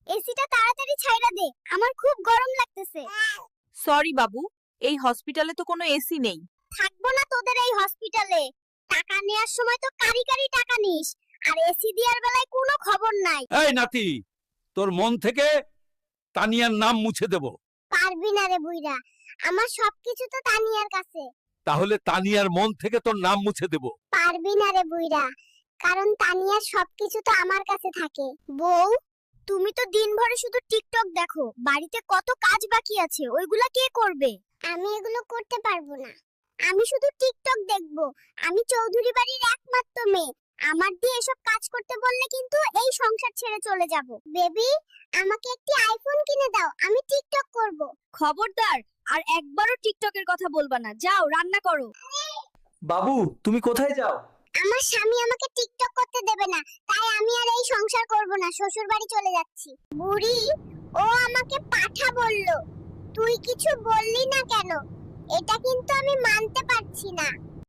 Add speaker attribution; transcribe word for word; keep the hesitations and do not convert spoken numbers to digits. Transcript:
Speaker 1: এসিটা তাড়াতাড়ি ছাইড়া দে, আমার খুব গরম লাগতেছে।
Speaker 2: সরি বাবু, এই হসপিটালে তো কোনো এসি নেই।
Speaker 1: থাকবো না তোদের এই হসপিটালে। টাকা নেওয়ার সময় তো কারি কারি টাকা নিস, আর এসি দেওয়ার বেলায় কোনো খবর নাই।
Speaker 3: এই নাতি, তোর মন থেকে তানিয়ার নাম মুছে দেব।
Speaker 1: পারবি না রে বুইরা, আমার সবকিছু তো তানিয়ার কাছে।
Speaker 3: তাহলে তানিয়ার মন থেকে তোর নাম মুছে দেব।
Speaker 1: পারবি না রে বুইরা, কারণ তানিয়ার সবকিছু তো আমার কাছে থাকে। বউ, তুমি তো দিনভরে শুধু টিকটক দেখো, বাড়িতে কত কাজ বাকি আছে, ওইগুলা কে করবে? আমি এগুলো করতে পারবো না, আমি শুধু টিকটক দেখবো। আমি চৌধুরী বাড়ির একমাত্র মেয়ে, আমার দিয়ে এসব কাজ করতে বললে কিন্তু এই সংসার ছেড়ে চলে যাব। বেবি, আমাকে একটি আইফোন কিনে দাও, আমি টিকটক করব।
Speaker 2: খবরদার, আর একবারও টিকটকের কথা বলবা না। যাও রান্না করো।
Speaker 4: বাবু, তুমি কোথায় যাও?
Speaker 1: আমার স্বামী আমাকে টিকটক করতে দেবে না, তাই আমি আর এই সংসার করব না, শ্বশুর বাড়ি চলে যাচ্ছি। বুড়ি, ও আমাকে পাঠা বলল, তুই কিছু বললি না কেন? এটা কিন্তু আমি মানতে পারছি না।